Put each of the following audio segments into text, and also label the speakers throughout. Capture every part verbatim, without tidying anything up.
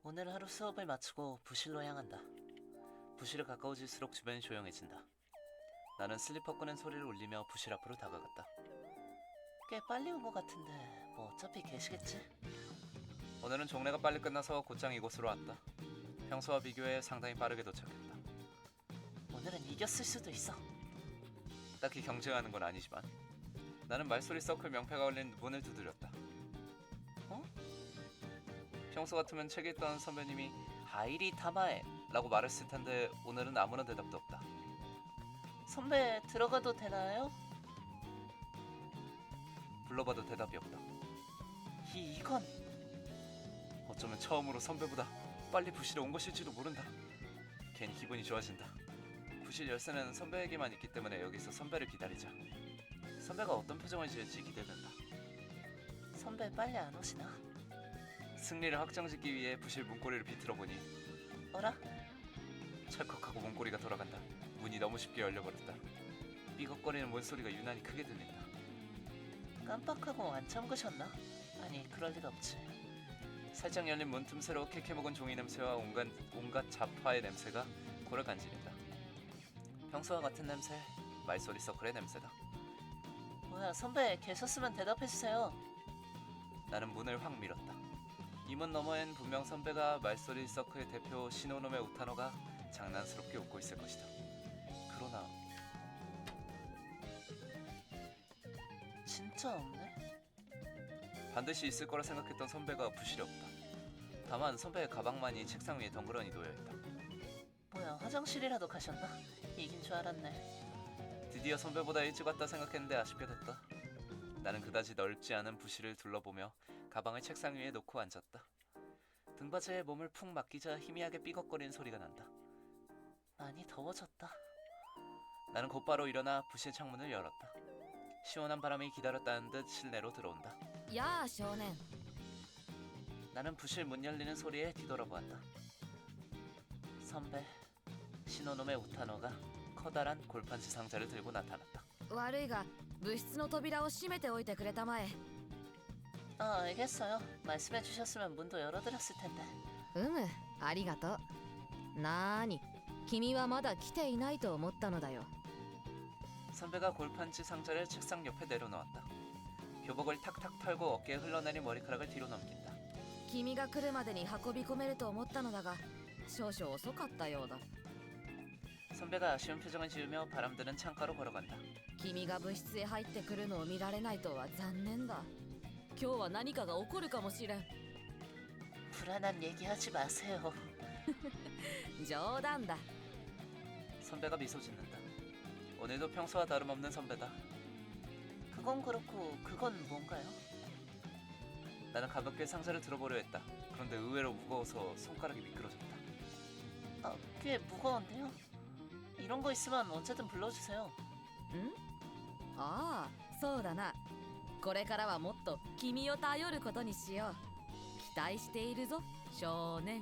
Speaker 1: 오늘 하루 수업을 마치고 부실로 향한다. 부실에 가까워질수록 주변이 조용해진다. 나는 슬리퍼 끄는 소리를 울리며 부실 앞으로 다가갔다. 꽤 빨리 온 것 같은데 뭐 어차피 계시겠지? 오늘은 종례가 빨리 끝나서 곧장 이곳으로 왔다. 평소와 비교해 상당히 빠르게 도착했다. 오늘은 이겼을 수도 있어. 딱히 경쟁하는 건 아니지만 나는 말소리 서클 명패가 걸린 문을 두드렸다. 어? 평소 같으면 책에 있던 선배님이 하이리 타마에 라고 말했을 텐데 오늘은 아무런 대답도 없다. 선배 들어가도 되나요? 불러봐도 대답이 없다. 이, 이건 어쩌면 처음으로 선배보다 빨리 부실에 온 것일지도 모른다. 괜히 기분이 좋아진다. 부실 열쇠는 선배에게만 있기 때문에 여기서 선배를 기다리자. 선배가 어떤 표정을 지을지 기대된다. 선배 빨리 안 오시나? 승리를 확정짓기 위해 부실 문고리를 비틀어보니 어라? 찰컥하고 문고리가 돌아간다. 문이 너무 쉽게 열려버렸다. 삐걱거리는 문소리가 유난히 크게 들린다. 깜빡하고 안 잠그셨나? 아니 그럴 리가 없지. 살짝 열린 문 틈새로 캐캐 먹은 종이 냄새와 온갖, 온갖 잡화의 냄새가 코를 간지린다. 평소와 같은 냄새, 말소리 서클의 냄새다. 뭐야 선배 계셨으면 대답해주세요. 나는 문을 확 밀었다. 이 문 너머엔 분명 선배가 말소리 서클의 대표 시노노메 우타노가 장난스럽게 웃고 있을 것이다. 그러나 진짜 없네? 반드시 있을 거라 생각했던 선배가 부실이 없다. 다만 선배의 가방만이 책상 위에 덩그러니 놓여있다. 뭐야 화장실이라도 가셨나? 이긴 줄 알았네. 드디어 선배보다 일찍 왔다 생각했는데 아쉽게 됐다. 나는 그다지 넓지 않은 부실을 둘러보며 가방을 책상 위에 놓고 앉았다. 등받이에 몸을 푹 맡기자 희미하게 삐걱거리는 소리가 난다. 많이 더워졌다. 나는 곧바로 일어나 부실 창문을 열었다. 시원한 바람이 기다렸다는 듯 실내로 들어온다.
Speaker 2: 야,少年.
Speaker 1: 나는 부실 문 열리는 소리에 뒤돌아보았다. 선배, 시노노메 우타노가 커다란 골판지 상자를 들고 나타났다.
Speaker 2: 悪いが部室の扉を閉めておいてくれたまえ.
Speaker 1: 아, 알겠어요. 말씀해 주셨으면 문도 열어드렸을 텐데.
Speaker 2: うむ、ありがとう. なーに、君はまだ来ていないと思ったのだよ.
Speaker 1: 선배가 골판지 상자를 책상 옆에 내려놓았다. 교복을 탁탁 털고 어깨에 흘러내린 머리카락을 뒤로 넘긴다.
Speaker 2: 君が来るまでに運び込めると思ったのだが、少々遅かったようだ.
Speaker 1: 선배가 아쉬운 표정을 지으며 바람드는 창가로 걸어간다.
Speaker 2: 君が部室へ入ってくるのを見られないとは残念だ. 今日は何かが起こるかもしれん.
Speaker 1: 불안한 얘기하지 마세요.
Speaker 2: 冗談だ.
Speaker 1: 선배가 미소 짓는다. 오늘도 평소와 다름없는 선배다. 그건 그렇고 그건 뭔가요? 나는 가볍게 상자를 들어보려 했다. 그런데 의외로 무거워서 손가락이 미끄러졌다. 아, 꽤 무거운데요? 이런 거 있으면 언제든 불러주세요.
Speaker 2: ん? ああ、そうだな. これからはもっと君を頼ることにしよう. 期待しているぞ, 少年.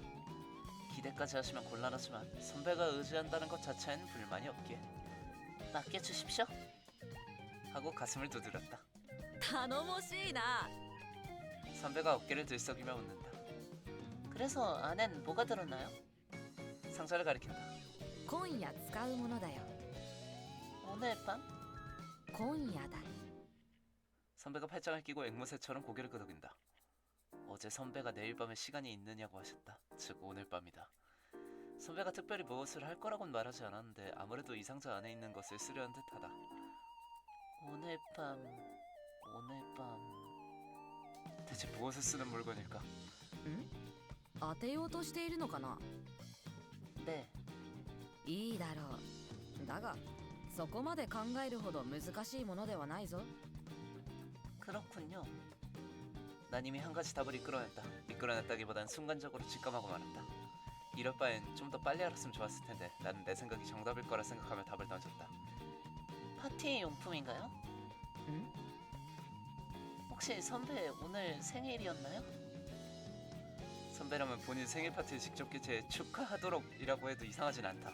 Speaker 1: 기대까지 하시면 곤란하지만 선배가 의지한다는 것 자체엔 불만이 없기에 맡겨주십시오. 하고 가슴을 두드렸다.
Speaker 2: 頼もしいな.
Speaker 1: 선배가 어깨를 들썩이며 웃는다. 그래서 안엔 뭐가 들었나요? 상자를 가리킨다.
Speaker 2: 今夜使うものだよ.
Speaker 1: 오늘 밤?
Speaker 2: 今夜だ.
Speaker 1: 선배가 팔짱을 끼고 앵무새처럼 고개를 끄덕인다. 어제 선배가 내일 밤에 시간이 있느냐고 하셨다. 즉 오늘 밤이다. 선배가 특별히 무엇을 할 거라고는 말하지 않았는데 아무래도 이 상자 안에 있는 것을 쓰려는 듯하다. 오늘 밤... 오늘 밤... 대체 무엇을 쓰는 물건일까?
Speaker 2: ん? 当てようとしているのかな?
Speaker 1: 네.
Speaker 2: いいだろう. だがそこまで考えるほど難しいものではないぞ.
Speaker 1: 그렇군요. 난 이미 한 가지 답을 이끌어냈다. 이끌어냈다기보단 순간적으로 직감하고 말았다. 이럴 바엔 좀 더 빨리 알았으면 좋았을 텐데 나는 내 생각이 정답일 거라 생각하며 답을 던졌다. 파티 용품인가요?
Speaker 2: 응?
Speaker 1: 혹시 선배 오늘 생일이었나요? 선배라면 본인 생일 파티를 직접 개최해 축하하도록 이라고 해도 이상하진 않다.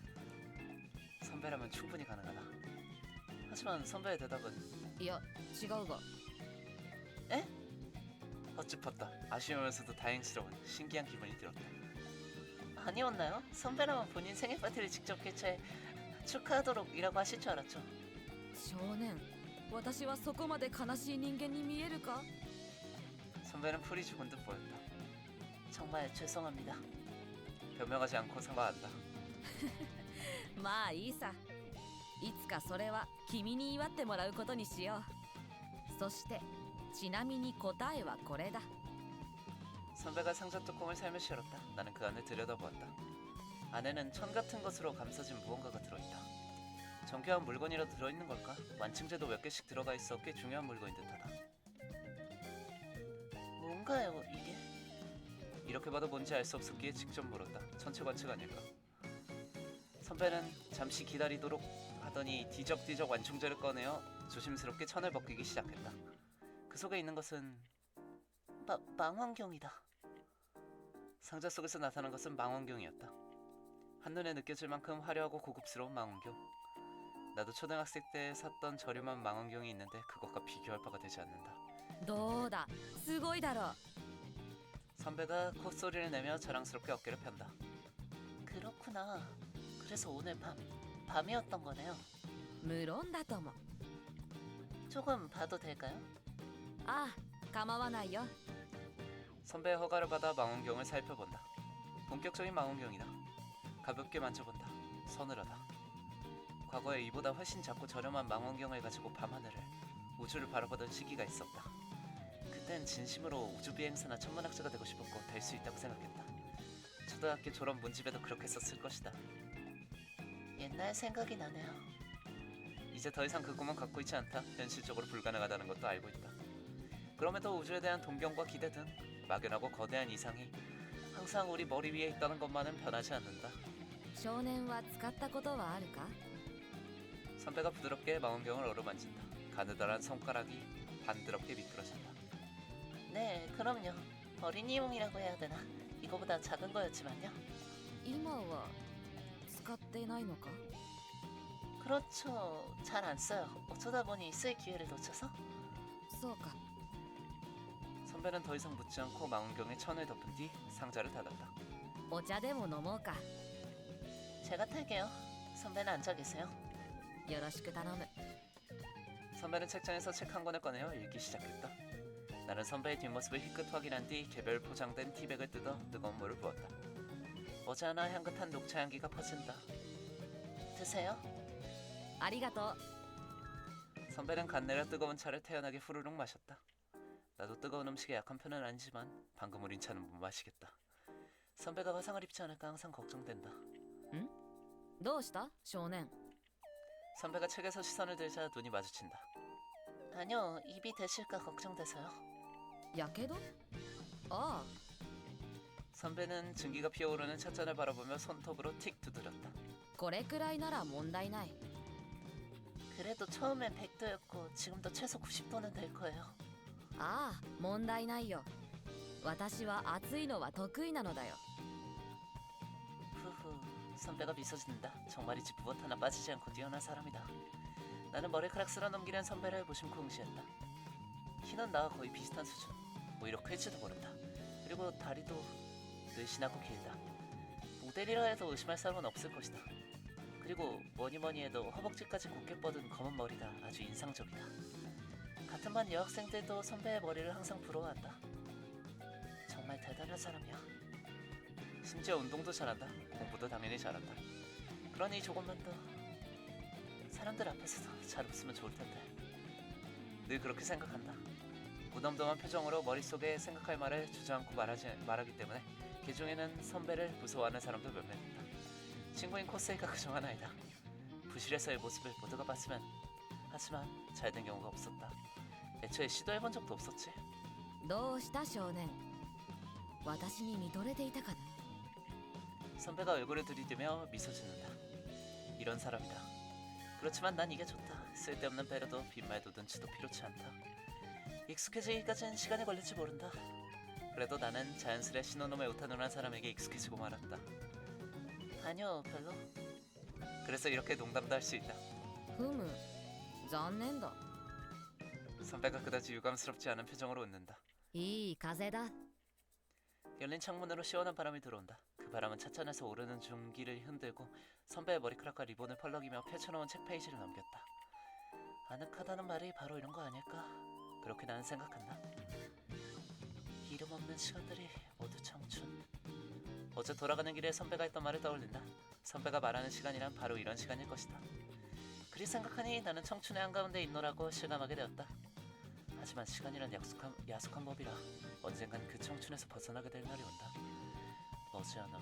Speaker 1: 선배라면 충분히 가능하다. 하지만 선배의 대답은
Speaker 2: いや違うが.
Speaker 1: 에? 헛짚었다. 아쉬우면서도 다행스러운 신기한 기분이 들었다.
Speaker 3: 아니었나요? 선배라면 본인 생일 파티를 직접 개최해 축하하도록이라고 하실 줄 알았죠.
Speaker 2: 少年私はそこまで悲しい人間に見えるか
Speaker 1: 선배는 풀이 죽은 듯 보였다.
Speaker 3: 정말 죄송합니다.
Speaker 1: 변명하지 않고 사과한다.
Speaker 2: まあいいさいつかそれは君に祝ってもらうことにしようそしてちなみに答えはこれだ
Speaker 1: 선배가 상자 뚜껑을 살며시 열었다. 나는 그 안을 들여다보았다. 안에는 천 같은 것으로 감싸진 무언가가 들어있다. 정교한 물건이라도 들어있는 걸까? 완충제도 몇 개씩 들어가 있어 꽤 중요한 물건인 듯하다.
Speaker 3: 뭔가요 이게?
Speaker 1: 이렇게 봐도 뭔지 알 수 없었기에 직접 물었다. 천체관측 아닐까? 선배는 잠시 기다리도록 하더니 뒤적뒤적 완충제를 꺼내어 조심스럽게 천을 벗기기 시작했다. 그 속에 있는 것은
Speaker 3: 마, 망원경이다.
Speaker 1: 상자 속에서 나타난 것은 망원경이었다. 한눈에 느껴질 만큼 화려하고 고급스러운 망원경. 나도 초등학생 때 샀던 저렴한 망원경이 있는데 그것과 비교할 바가 되지 않는다.
Speaker 2: どうだすごいだろ
Speaker 1: 선배가 콧소리를 내며 자랑스럽게 어깨를 편다.
Speaker 3: 그렇구나. 그래서 오늘 밤 밤이었던 거네요.
Speaker 2: 無論だとも
Speaker 3: 조금 봐도 될까요?
Speaker 2: ああ構わないよ
Speaker 1: 선배의 허가를 받아 망원경을 살펴본다. 본격적인 망원경이다. 가볍게 만져본다. 서늘하다. 과거에 이보다 훨씬 작고 저렴한 망원경을 가지고 밤하늘을, 우주를 바라보던 시기가 있었다. 그땐 진심으로 우주비행사나 천문학자가 되고 싶었고 될 수 있다고 생각했다. 초등학교 졸업 문집에도 그렇게 썼을 것이다.
Speaker 3: 옛날 생각이 나네요.
Speaker 1: 이제 더 이상 그 꿈은 갖고 있지 않다. 현실적으로 불가능하다는 것도 알고 있다. 그럼에도 우주에 대한 동경과 기대 등 막연하고 거대한 이상이 항상 우리 머리 위에 있다는 것만은 변하지 않는다.
Speaker 2: 少年は使ったことはあるか
Speaker 1: 선배가 부드럽게 망원경을 어루만진다. 가느다란 손가락이 반드럽게 미끄러진다.
Speaker 3: 네, 그럼요. 어린이용이라고 해야 되나? 이거보다 작은 거였지만요.
Speaker 2: 今は使ってないのか
Speaker 3: 그렇죠. 잘 안 써요. 어쩌다 보니 쓸 기회를 놓쳐서.
Speaker 2: そうか
Speaker 1: 선배는 더 이상 묻지 않고 망원경에 천을 덮은 뒤 상자를 닫았다.
Speaker 2: お茶でも飲もうか
Speaker 3: 제가 탈게요. 선배는 앉아 계세요.
Speaker 2: よろしく頼む
Speaker 1: 선배는 책장에서 책 한 권을 꺼내어 읽기 시작했다. 나는 선배의 뒷모습을 휘끗 확인한 뒤 개별 포장된 티백을 뜯어 뜨거운 물을 부었다. 머지않아 향긋한 녹차 향기가 퍼진다.
Speaker 3: 드세요.
Speaker 2: ありがとう
Speaker 1: 선배는 간 내려 뜨거운 차를 태연하게 후루룩 마셨다. 나도 뜨거운 음식에 약한 편은 아니지만 방금 우린 차는 못 마시겠다. 선배가 화상을 입지 않을까 항상 걱정된다.
Speaker 2: どうした少年
Speaker 1: 선배가 책에서 시선을 들자 눈이 마주친다.
Speaker 3: 아니요, 입이 되실까 걱정돼서요.
Speaker 2: やけどああ
Speaker 1: 선배는 증기가 피어오르는 찻잔을 바라보며 손톱으로 틱 두드렸다.
Speaker 2: これくらいなら問題ない
Speaker 3: 그래도 처음엔 백 도였고 지금도 최소 구십 도는 될 거예요.
Speaker 2: ああ問題ないよ私は暑いのは得意なのだよ
Speaker 3: 후후, 선배가 미소 짓는다. 정말이지 무엇 하나 빠지지 않고 뛰어난 사람이다. 나는 머리카락 쓸어 넘기는 선배를 무심코 응시했다. 키는 나와 거의 비슷한 수준. 오히려 클지도 모른다. 그리고 다리도 늘씬하고 길다. 모델이라 해도 의심할 사람은 없을 것이다. 그리고 뭐니뭐니 해도 허벅지까지 곧게 뻗은 검은 머리가 아주 인상적이다. 같은 반 여학생들도 선배의 머리를 항상 부러워한다. 정말 대단한 사람이야.
Speaker 1: 심지어 운동도 잘한다. 공부도 당연히 잘한다.
Speaker 3: 그러니 조금만 더 사람들 앞에서도 잘 웃으면 좋을 텐데.
Speaker 1: 늘 그렇게 생각한다. 무덤덤한 표정으로 머릿속에 생각할 말을 주저앉고 말하지, 말하기 때문에 그 중에는 선배를 무서워하는 사람도 몇몇 있다. 친구인 코스이가 그중 하나이다. 부실에서의 모습을 모두가 봤으면 하지만 잘된 경우가 없었다. 애초에 시도해본 적도 없었지.
Speaker 2: どうした少年私に見とれていたかな
Speaker 1: 선배가 얼굴을 들이대며 미소 짓는다. 이런 사람이다. 그렇지만 난 이게 좋다. 쓸데없는 배려도 빈말도 눈치도 필요치 않다. 익숙해지기까지는 시간이 걸릴지 모른다. 그래도 나는 자연스레 신호놈의 우타누란 사람에게 익숙해지고 말았다.
Speaker 3: 아니요, 별로.
Speaker 1: 그래서 이렇게 농담도 할 수 있다.
Speaker 2: ふむ残念だ
Speaker 1: 선배가 그다지 유감스럽지 않은 표정으로 웃는다.
Speaker 2: いい風だ。
Speaker 3: 열린 창문으로 시원한 바람이 들어온다. 그 바람은 차천에서 오르는 중기를 흔들고 선배의 머리카락과 리본을 펄럭이며 펼쳐놓은 책 페이지를 넘겼다. 아늑하다는 말이 바로 이런 거 아닐까? 그렇게 나는 생각한다. 이름 없는 시간들이 모두 청춘. 어제 돌아가는 길에 선배가 했던 말을 떠올린다. 선배가 말하는 시간이란 바로 이런 시간일 것이다. 그리 생각하니 나는 청춘의 한가운데 있노라고 실감하게 되었다. 하지만 시간이란 약속한, 야속한 법이라 언젠간 그 청춘에서 벗어나게 될 날이 온다. 머지않아.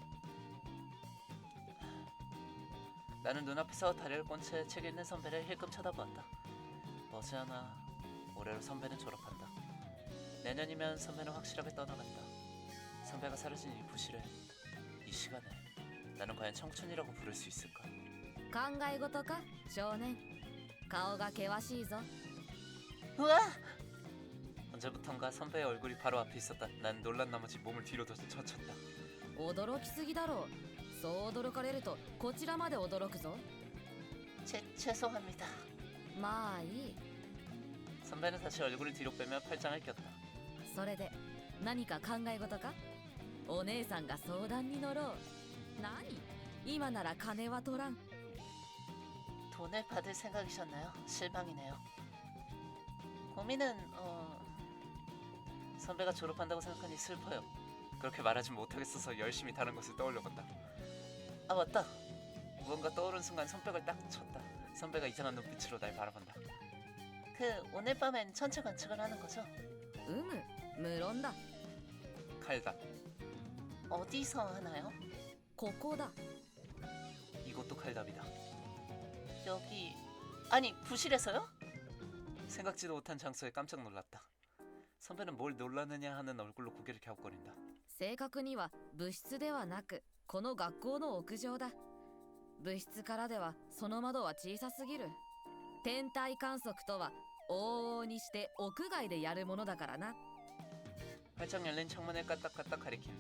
Speaker 3: 나는 눈앞에서 다리를 꼰 채 책 읽는 선배를 힐끔 쳐다보았다. 머지않아 올해로 선배는 졸업한다. 내년이면 선배는 확실하게 떠나간다. 선배가 사라진 이 부실을, 이 시간을 나는 과연 청춘이라고 부를 수 있을까?
Speaker 2: 考え事か少年。顔が険しいぞ。
Speaker 3: 우와! 언제부턴가 선배의 얼굴이 바로 앞에 있었다. 난 놀란 나머지 몸을 뒤로 더 젖혔다.
Speaker 2: 驚きすぎだろう。そう驚かれるとこちらまで驚くぞ。
Speaker 3: 죄, 죄송합니다.
Speaker 2: まあいい。
Speaker 3: 선배는 다시 얼굴을 뒤로 빼며 팔짱을 꼈다.
Speaker 2: それで何か考え事か。お姉さんが相談に乗ろう。何今なら金は取らん。
Speaker 3: 돈을 받을 생각이셨나요? 실망이네요. 고민은 어... 선배가 졸업한다고 생각하니 슬퍼요. 그렇게 말하지 못하겠어서 열심히 다른 것을 떠올려본다. 아 맞다. 무언가 떠오른 순간 손뼉을 딱 쳤다. 선배가 이상한 눈빛으로 날 바라본다. 그 오늘 밤엔 천체 관측을 하는 거죠?
Speaker 2: うむ無論だ。
Speaker 1: 칼답.
Speaker 3: 어디서 하나요?
Speaker 2: ここだ。
Speaker 1: 이것도 칼답이다.
Speaker 3: 여기... 아니 부실에서요?
Speaker 1: 생각지도 못한 장소에 깜짝 놀랐다. 선배는 뭘 놀라느냐 하는 얼굴로 고개를 갸웃거린다.
Speaker 2: 正確には部室ではなくこの学校の屋上だ。部室からではその窓は小さすぎる。天体観測とは往々にして屋外でやるものだからな。
Speaker 1: 활짝 열린 창문을 까딱까딱 가리킨다.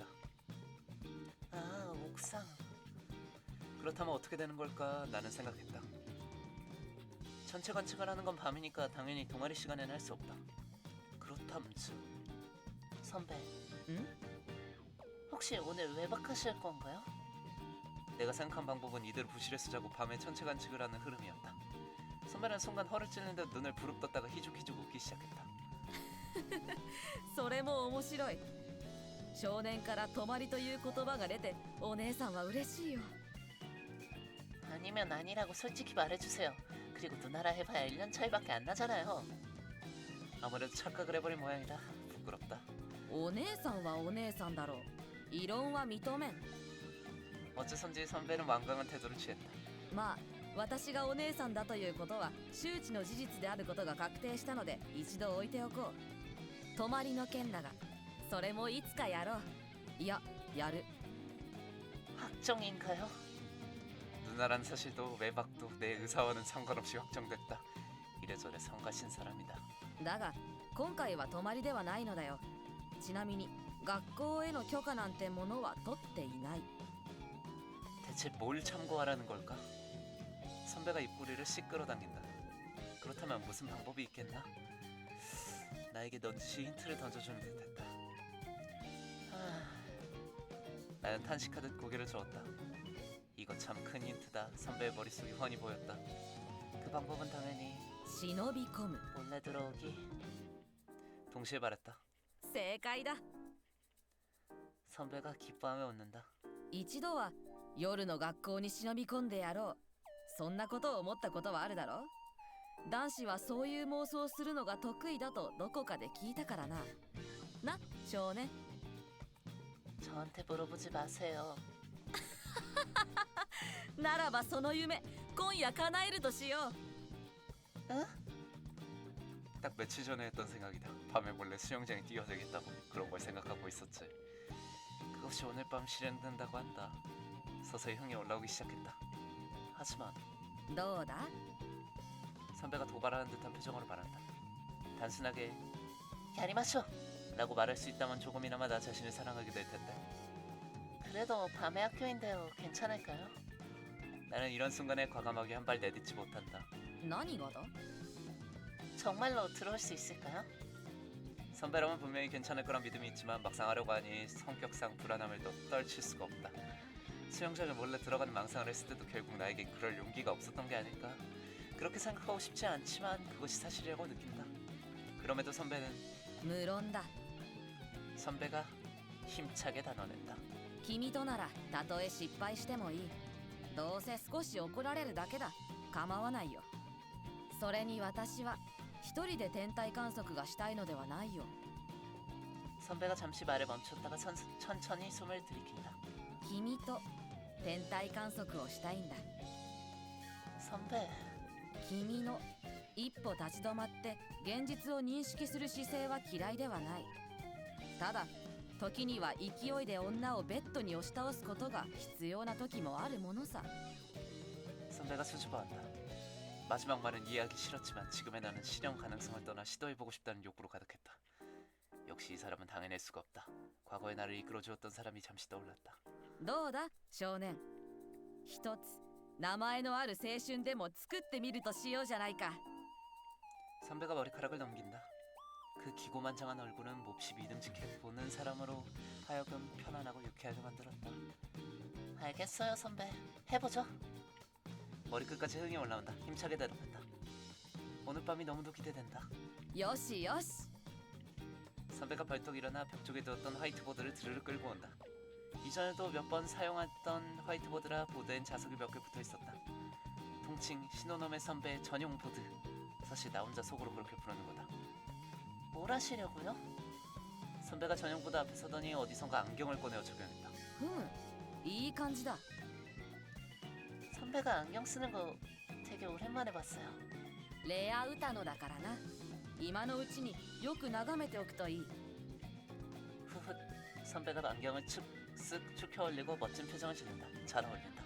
Speaker 3: 아 옥상.
Speaker 1: 그렇다면 어떻게 되는 걸까 나는 생각했다. 천체 관측을 하는 건 밤이니까 당연히 동아리 시간에는 할 수 없다. 그렇다면서
Speaker 3: 선배.
Speaker 2: 응?
Speaker 3: 혹시 오늘 외박하실 건가요?
Speaker 1: 내가 생각한 방법은 이대로 부실에서 자고 밤에 천체 관측을 하는 흐름이었다. 선배는 순간 허를 찔는 듯 눈을 부릅떴다가 희죽희죽 웃기 시작했다.
Speaker 2: それも面白い。少年から泊まりという言葉が出てお姉さんは嬉しいよ。
Speaker 3: 아니면 아니라고 솔직히 말해주세요. 그리고 누나라 해봐야 일 년 차이밖에 안 나잖아요.
Speaker 1: 아무래도 착각을 해버린 모양이다. 부끄럽다.
Speaker 2: お姉さんはお姉さんだろう。異論は認めん。
Speaker 1: 어째선지 선배는 완강한 태도를 취했다.
Speaker 2: まあ私がお姉さんだということは周知の事実であることが確定したので一度置いておこう。泊まりの件だがそれもいつかやろう。いややる。
Speaker 3: 확정인가요?
Speaker 1: 누나란 사실도 외박도 내 의사와는 상관없이 확정됐다. 이래저래 성가신 사람이다.
Speaker 2: だが今回は泊まりではないのだよ。ちなみに学校への許可なんてものは取っていない。
Speaker 1: 대체 뭘 참고하라는 걸까? 선배가 입꼬리를 씩 끌어당긴다. 그렇다면 무슨 방법이 있겠나? 나에게 넌지시 힌트를 던져주는 듯했다. 하... 나는 탄식하듯 고개를 저었다. 이거 참 큰 힌트다. 선배의 머릿속이 훤히 보였다. 그 방법은 당연히
Speaker 2: 忍び込む。
Speaker 3: 몰래 들어오기.
Speaker 1: 동시에 말했다.
Speaker 2: 正解だ。
Speaker 3: 선배가 기뻐하며 웃는다.
Speaker 2: 一度は夜の学校に忍び込んでやろう。そんなことを思ったことはあるだろう。男子はそういう妄想をするのが得意だとどこかで聞いたからな。な、少年。
Speaker 3: 저한테 물어보지 마세요.
Speaker 2: ならばその夢今夜叶えるとしよう。
Speaker 3: 응?
Speaker 1: 딱 며칠 전에 했던 생각이다. 밤에 몰래 수영장에 뛰어들겠다고 그런 걸 생각하고 있었지. 그것이 오늘 밤 실현된다고 한다. 서서히 흥이 올라오기 시작했다. 하지만
Speaker 2: どうだ。
Speaker 1: 선배가 도발하는 듯한 표정으로 말한다. 단순하게
Speaker 3: 야리마쇼.
Speaker 1: 라고 말할 수 있다면 조금이나마 나 자신을 사랑하게 될 텐데.
Speaker 3: 그래도 밤의 학교인데요. 괜찮을까요?
Speaker 1: 나는 이런 순간에 과감하게 한 발 내딛지 못한다.
Speaker 2: 何がだ。
Speaker 3: 정말로 들어올 수 있을까요?
Speaker 1: 선배라면 분명히 괜찮을 거란 믿음이 있지만 막상 하려고 하니 성격상 불안함을 또 떨칠 수가 없다. 수영장에 몰래 들어가는 망상을 했을 때도 결국 나에겐 그럴 용기가 없었던 게 아닐까. 그렇게 생각하고 싶지 않지만 그것이 사실이라고 느낀다. 그럼에도 선배는
Speaker 2: 無論だ。
Speaker 1: 선배가 힘차게 단언했다.
Speaker 2: 君とならたとえ失敗してもいい。どうせ少し怒られるだけだ。構わないよ。それに私は一人で天体観測がしたいのではないよ。
Speaker 3: 선배가 잠시 말을 멈췄다가 선, 천천히 숨을 들이킨다.
Speaker 2: 君と天体観測をしたいんだ。
Speaker 3: 선배,
Speaker 2: 君の一歩立ち止まって現実を認識する姿勢は嫌いではない。ただ時には勢いで女をベッドに押し倒すことが必要な時もあるものさ。
Speaker 1: 선배가 수줍어한다. 마지막 말은 이해하기 싫었지만 지금의 나는 실현 가능성을 떠나 시도해보고 싶다는 욕구로 가득했다. 역시 이 사람은 당해낼 수가 없다. 과거의 나를 이끌어주었던 사람이 잠시 떠올랐다.
Speaker 2: どうだ少年。一つ名前のある青春でも作ってみるとしようじゃないか。
Speaker 1: 선배가 머리카락을 넘긴다. 그 기고만장한 얼굴은 몹시 믿음직해 보는 사람으로 하여금 편안하고 유쾌하게 만들었다.
Speaker 3: 알겠어요, 선배. 해보죠.
Speaker 1: 머리끝까지 흥이 올라온다. 힘차게 대답한다. 오늘 밤이 너무도 기대된다.
Speaker 2: よしよし。
Speaker 1: 선배가 벌떡 일어나 벽 쪽에 두었던 화이트보드를 드르르 끌고 온다. 이전에도 몇 번 사용했던 화이트보드라 보드엔 자석이 몇 개 붙어 있었다. 통칭 신호놈의 선배의 전용 보드. 사실 나 혼자 속으로 그렇게 부르는 거다.
Speaker 3: 뭘 하시려고요?
Speaker 1: 선배가 전용 보드 앞에 서더니 어디선가 안경을 꺼내어 적용했다.
Speaker 2: ふむいい感じだ。
Speaker 3: 선배가 안경 쓰는 거 되게 오랜만에 봤어요.
Speaker 2: レア歌のだからな。今のうちによく眺めておくといい。
Speaker 3: 후훗, 선배가 안경을 축, 쓱 축혀 올리고 멋진 표정을 짓는다. 잘 어울린다.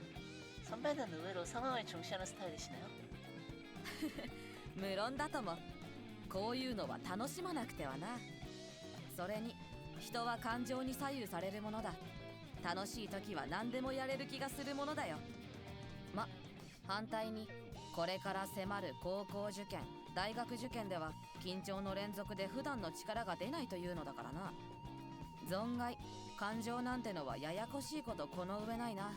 Speaker 3: 선배는 의외로 상황을 중시하는 스타일이시네요.
Speaker 2: 無論だとも。こういうのは楽しまなくてはな。それに人は感情に左右されるものだ。楽しい時は何でもやれる気がするものだよ。ま、反対にこれから迫る高校受験、大学受験では緊張の連続で普段の力が出ないというのだからな。存外感情なんてのはややこしいことこの上ないな。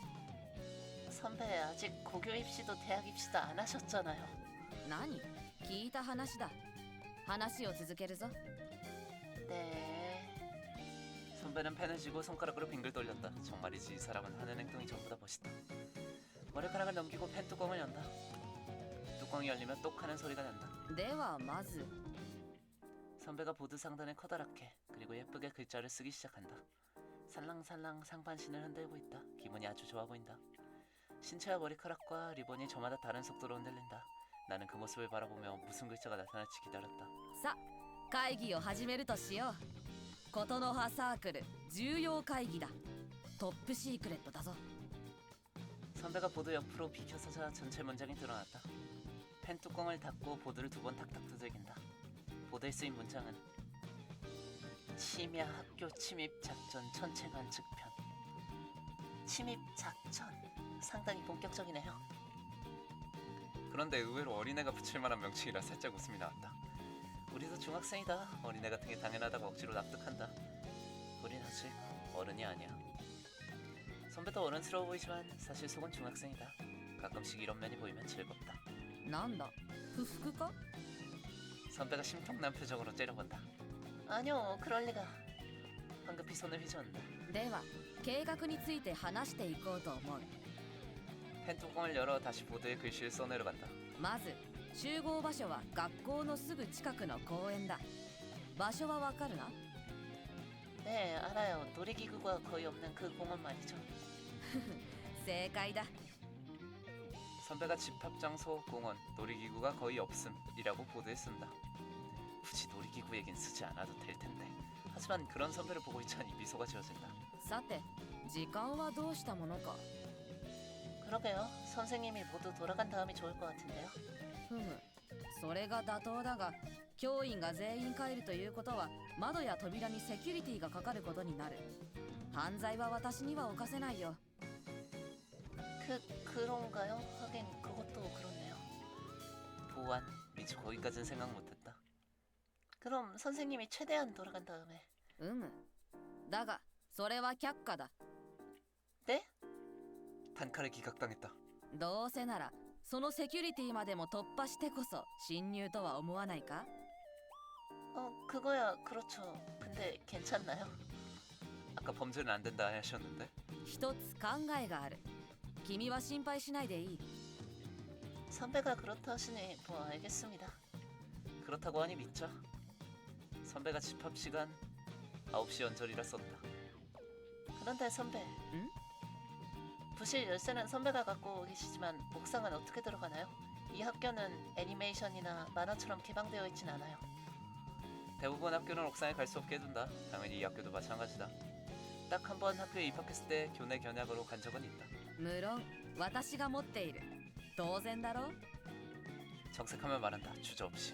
Speaker 3: 선배 아직 고교 입시도 대학 입시도 안 하셨잖아요.
Speaker 2: 何？聞いた話だ。話を続けるぞ。
Speaker 3: 네.
Speaker 1: 선배는 펜을 쥐고 손가락으로 빙글 돌렸다. 정말이지 이 사람은 하는 행동이 전부 다 멋있다. 머리카락을 넘기고 펜 뚜껑을 연다. 뚜껑이 열리면 똑 하는 소리가 난다.
Speaker 2: ではまず
Speaker 1: 선배가 보드 상단에 커다랗게 그리고 예쁘게 글자를 쓰기 시작한다. 살랑살랑 상반신을 흔들고 있다. 기분이 아주 좋아 보인다. 신체와 머리카락과 리본이 저마다 다른 속도로 흔들린다. 나는 그 모습을 바라보며 무슨 글자가 나타날지 기다렸다.
Speaker 2: さ会議を始めるとしよう。ことの葉サークル重要会議だ。トップシークレットだぞ。
Speaker 1: 선배가 보드 옆으로 비켜서자 전체 문장이 드러났다. 펜 뚜껑을 닫고 보드를 두 번 탁탁 두들긴다. 보드에 쓰인 문장은
Speaker 3: 심야 학교 침입 작전 전체 관측편. 침입 작전. 상당히 본격적이네요.
Speaker 1: 그런데 의외로 어린애가 붙일 만한 명칭이라 살짝 웃음이 나왔다. 우리도 중학생이다. 어린애 같은 게 당연하다고 억지로 납득한다. 우린 아직 어른이 아니야. 선배도 어른스러워 보이지만 사실 속은 중학생이다. 가끔씩 이런 면이 보이면 즐겁다.
Speaker 2: なんだ不服か？
Speaker 1: 선배가 심통난 표정으로 째려본다.
Speaker 3: 아니요, 그럴 리가. 황급히 손을 휘저은다.
Speaker 2: では計画について話していこうと思う。
Speaker 1: 펜 뚜껑을 열어 다시 보드에 글씨를 써내려간다.
Speaker 2: まず集合場所は学校のすぐ近くの公園だ。場所はわかるな？
Speaker 3: 네, 알아요. 놀이기구가 거의 없는 그 공원 말이죠.
Speaker 2: 正解だ。
Speaker 1: 선배가 집합 장소, 공원, 놀이기구가 거의 없음이라고 보드에 쓴다. 굳이 놀이기구 얘긴 쓰지 않아도 될 텐데. 하지만 그런 선배를 보고 있자니 미소가 지어진다.
Speaker 2: さて時間はどうしたものか。
Speaker 3: 그러게요. 선생님이 모두 돌아간 다음이 좋을 것 같은데요.
Speaker 2: ふむそれが妥当だが教員が全員帰るということは窓や扉にセキュリティがかかることになる。犯罪は私には犯せないよ。
Speaker 3: 그, 그런가요? 하긴 그것도 그렇네요.
Speaker 1: 보안, 미처 거기까진 생각 못했다.
Speaker 3: 그럼 선생님이 최대한 돌아간 다음에.
Speaker 2: うむだがそれは却下だ
Speaker 3: 네?
Speaker 1: 단칼에 기각당했다.
Speaker 2: どうせならそのセキュリティまでも突破してこそ侵入とは思わないか
Speaker 3: 어, 그거야 그렇죠. 근데 괜찮나요?
Speaker 1: 아까 범죄는 안 된다 하셨는데.
Speaker 2: 一つ考えがある君は心配しないでいい
Speaker 3: 선배가 그렇다 하시니 뭐 알겠습니다.
Speaker 1: 그렇다고 하니 믿죠. 선배가 집합 시간 아홉 시 연절이라 썼다.
Speaker 3: 그런데 선배.
Speaker 2: 응?
Speaker 3: 부실 열쇠는 선배가 갖고 계시지만 옥상은 어떻게 들어가나요? 이 학교는 애니메이션이나 만화처럼 개방되어 있진 않아요.
Speaker 1: 대부분 학교는 옥상에 갈 수 없게 해둔다. 당연히 이 학교도 마찬가지다. 딱 한 번 학교에 입학했을 때 교내 견학으로 간 적은 있다.
Speaker 2: 無論私が持っている当然だろ
Speaker 1: 정색하며 말한다. 주저없이.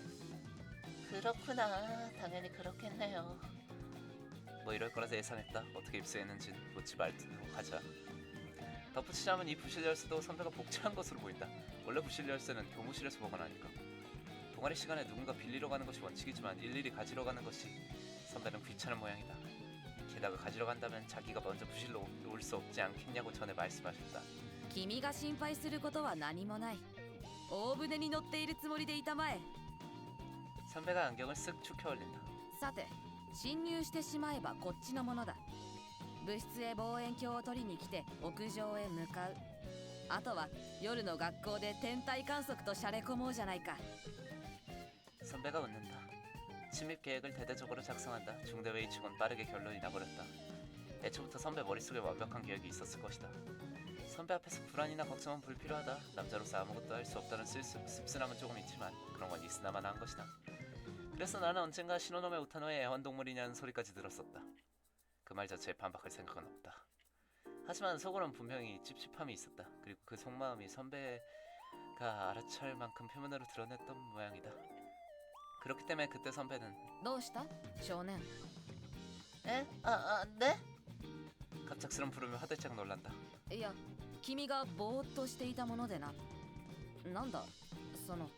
Speaker 3: 그렇구나. 당연히 그렇겠네요.
Speaker 1: 뭐 이럴 거라서 예상했다. 어떻게 입수했는진 묻지 말도록 하자. 덧붙이자면 이 부실 열쇠도 선배가 복제한 것으로 보인다. 원래 부실 열쇠는 교무실에서 보관하니까. 동아리 시간에 누군가 빌리러 가는 것이 원칙이지만 일일이 가지러 가는 것이 선배는 귀찮은 모양이다. 게다가 가지러 간다면 자기가 먼저 부실로 올 수 없지 않겠냐고 전에 말씀하셨다.
Speaker 2: 君が心配することは何もない大船に乗っているつもりでいたまえ
Speaker 1: 선배가 안경을 쓱 축혀 올린다.
Speaker 2: さて侵入してしまえばこっちのものだ部室へ望遠鏡を取りに来て屋上へ向かうあとは夜の学校で天体観測としゃれ込もうじゃないか
Speaker 1: 선배가 웃는다. 침입 계획을 대대적으로 작성한다. 중대회의 치곤 빠르게 결론이 나버렸다. 애초부터 선배 머릿속에 완벽한 계획이 있었을 것이다. 선배 앞에서 불안이나 걱정은 불필요하다. 남자로서 아무것도 할 수 없다는 쓸쓸, 씁쓸함은 조금 있지만 그런 건 있으나마나 한 것이다. 그래서 나는 언젠가 신호놈의 우타노의 애완동물이냐는 소리까지 들었었다. 그 말 자체에 반박할 생각은 없다. 하지만 속으론 분명히 찝찝함이 있었다. 그리고 그 속마음이 선배가 알아챌 만큼 표면으로 드러냈던 모양이다. 그렇기 때문에 그때 선배는
Speaker 2: どうした少年
Speaker 3: 에? 아, 아, 네?
Speaker 1: 갑작스런 부름에 화들짝 놀란다.
Speaker 2: いや君がぼーっとしていたものでななんだその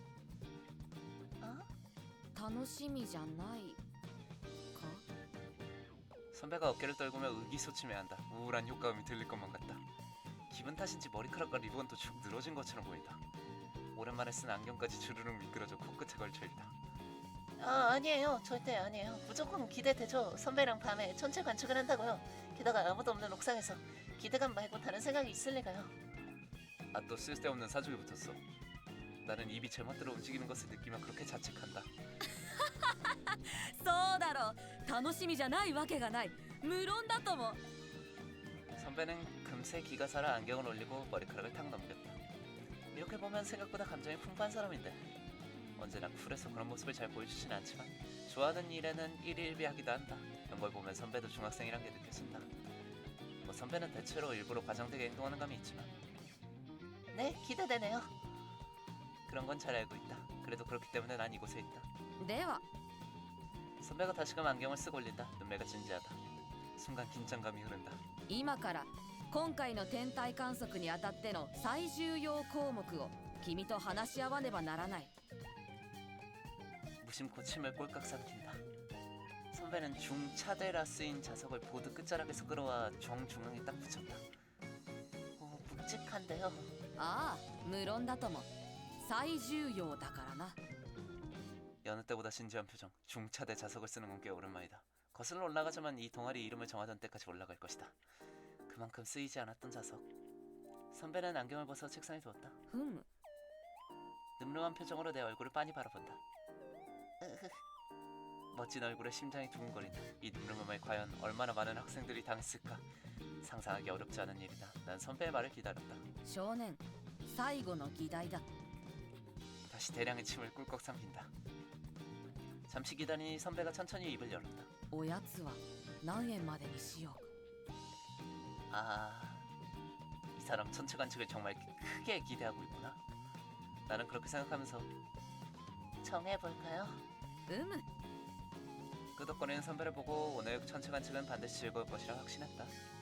Speaker 3: 어?
Speaker 2: 楽しみじゃないか
Speaker 1: 선배가 어깨를 떨구며 의기소침해한다. 우울한 효과음이 들릴 것만 같다. 기분 탓인지 머리카락과 리본도 축 늘어진 것처럼 보인다. 오랜만에 쓴 안경까지 주르륵 미끄러져 코끝에 걸쳐있다.
Speaker 3: 아, 아니에요. 절대 아니에요. 무조건 기대되죠. 선배랑 밤에 천체 관측을 한다고요. 게다가 아무도 없는 옥상에서 기대감 말고 다른 생각이 있을 리가요.
Speaker 1: 아, 또 쓸데없는 사족이 붙었어. 나는 입이 제멋대로 움직이는 것을 느끼며 그렇게 자책한다.
Speaker 2: そうだろう楽しみじゃないわけがない無論だとも
Speaker 1: 선배는 금세 기가 살아 안경을 올리고 머리카락을 탁 넘겼다. 이렇게 보면 생각보다 감정이 풍부한 사람인데 언제나 쿨해서 그런 모습을 잘 보여주진 않지만 좋아하는 일에는 일일비하기도 한다. 이런 걸 보면 선배도 중학생이란 게 느껴진다. 뭐 선배는 대체로 일부러 과장되게 행동하는 감이 있지만
Speaker 3: 네, 기대되네요.
Speaker 1: 그런 건 잘 알고 있다. 그래도 그렇기 때문에 난 이곳에 있다.
Speaker 2: では
Speaker 1: 선배가 다시금 안경을 쓱 올린다. 눈매가 진지하다. 순간 긴장감이 흐른다.
Speaker 2: 今から今回の天体観測にあたっての最重要項目を君と話し合わねばならない
Speaker 1: 무심코 침을 꼴깍 삼킨다. 선배는 중차대라 쓰인 자석을 보드 끝자락에서 끌어와 정중앙에 딱 붙였다.
Speaker 3: 오, 묵직한데요.
Speaker 2: ああ無論だとも最重要だからな
Speaker 1: 여느 때보다 진지한 표정. 중차대 자석을 쓰는 건 꽤 오랜만이다. 거슬러 올라가자만 이 동아리 이름을 정하던 때까지 올라갈 것이다. 그만큼 쓰이지 않았던 자석. 선배는 안경을 벗어 책상에 두었다.
Speaker 2: ふむ
Speaker 1: 늠름한 표정으로 내 얼굴을 빤히 바라본다. 멋진 얼굴에 심장이 두근거린다. 이 늠름함에 과연 얼마나 많은 학생들이 당했을까. 상상하기 어렵지 않은 일이다. 난 선배의 말을 기다렸다.
Speaker 2: 少年最後の議題だ
Speaker 1: 다시 대량의 침을 꿀꺽 삼킨다. 잠시 기다리니 선배가 천천히 입을 열었다.
Speaker 2: おやつは何円までにしよう
Speaker 1: 아, 이 사람 천체 관측을 정말 크게 기대하고 있구나. 나는 그렇게 생각하면서
Speaker 3: 정해볼까요?
Speaker 2: うむ
Speaker 1: 끄덕거리는 선배를 보고 오늘 천체 관측은 반드시 즐거울 것이라 확신했다.